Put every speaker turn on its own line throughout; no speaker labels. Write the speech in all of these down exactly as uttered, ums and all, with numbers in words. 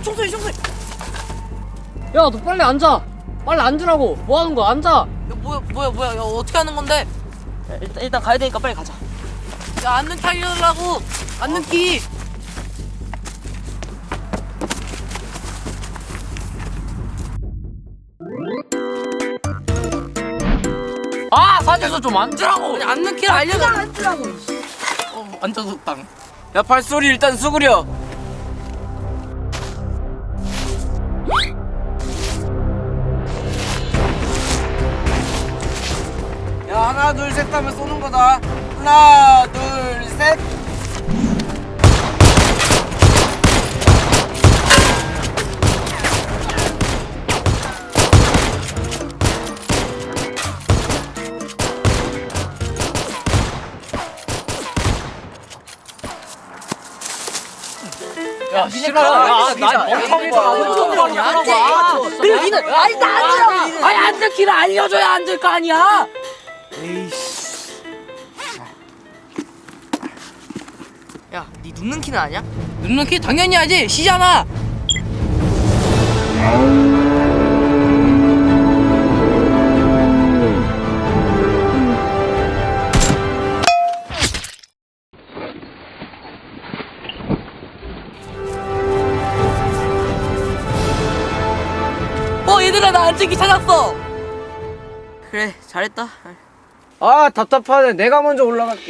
총소리 총소리.
야, 너 빨리 앉아. 빨리 앉으라고. 뭐 하는 거야? 앉아.
야 뭐야 뭐야 뭐야. 야 어떻게 하는 건데?
야, 일단 일단 가야 되니까 빨리 가자.
야 앉는 키 알려달라고. 앉는 키.
아, 사진에서 좀 앉으라고.
아니 앉는 키를 알려달라.
앉으라고.
어, 앉아서 땅.
야, 발소리 일단 수그려. 야, 하나 둘 셋 하면 쏘는 거다. 하나 둘 셋. 야, 싫어. 야, 나 멍청이다. 멍청이 하라고.
그리고 니는 아니 나 앉으라고. 아니 앉는 키를 알려줘야 앉을 거 아니야.
에이씨.
야, 니 눕는 키는 아냐? 눕는 키 당연히 알지. 시잖아. 어, 얘들아 나 앉은 키 찾았어. 그래, 잘했다.
아, 답답하네. 내가 먼저 올라갈게.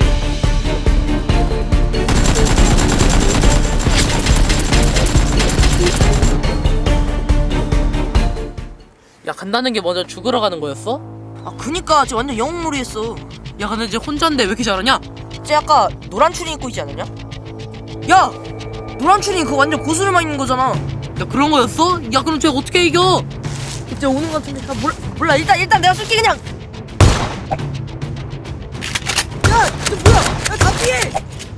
야, 간다는 게 먼저 죽으러 가는 거였어?
아 그니까 쟤 완전 영웅놀이 했어.
야, 근데 이제 혼자인데 왜 이렇게 잘하냐?
쟤 아까 노란 추리 입고 있지 않았냐? 야! 노란 추리 그거 완전 고수를만 있는 거잖아.
야, 그런 거였어? 야, 그럼 쟤 어떻게 이겨?
쟤 오는 거 같은데. 아, 몰라, 몰라 일단 일단 내가 쏠게 그냥. 야! 쟤 뭐야? 야 다 피해!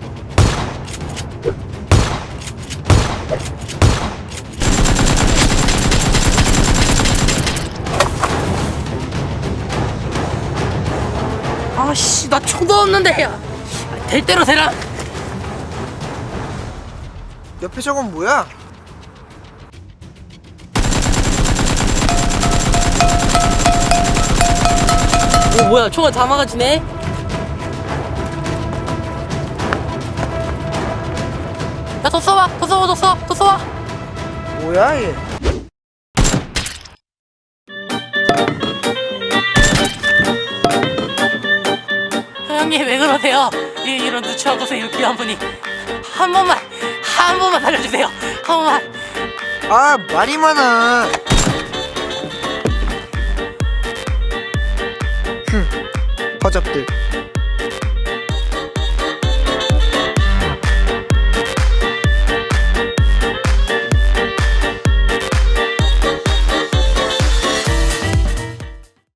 아씨, 나 총도 없는데. 야, 될 대로 되라.
옆에 저건 뭐야?
오, 뭐야, 총알 다 막아지네. 야, 더 쏴봐, 더 쏴봐, 더 쏴, 더 쏴봐.
뭐야 얘?
형님 왜 그러세요? 이, 이런 누추한 곳에 이렇게 한 분이. 한 번만, 한 번만 살려주세요. 한 번만.
아 말이 많아. 흠 허접들.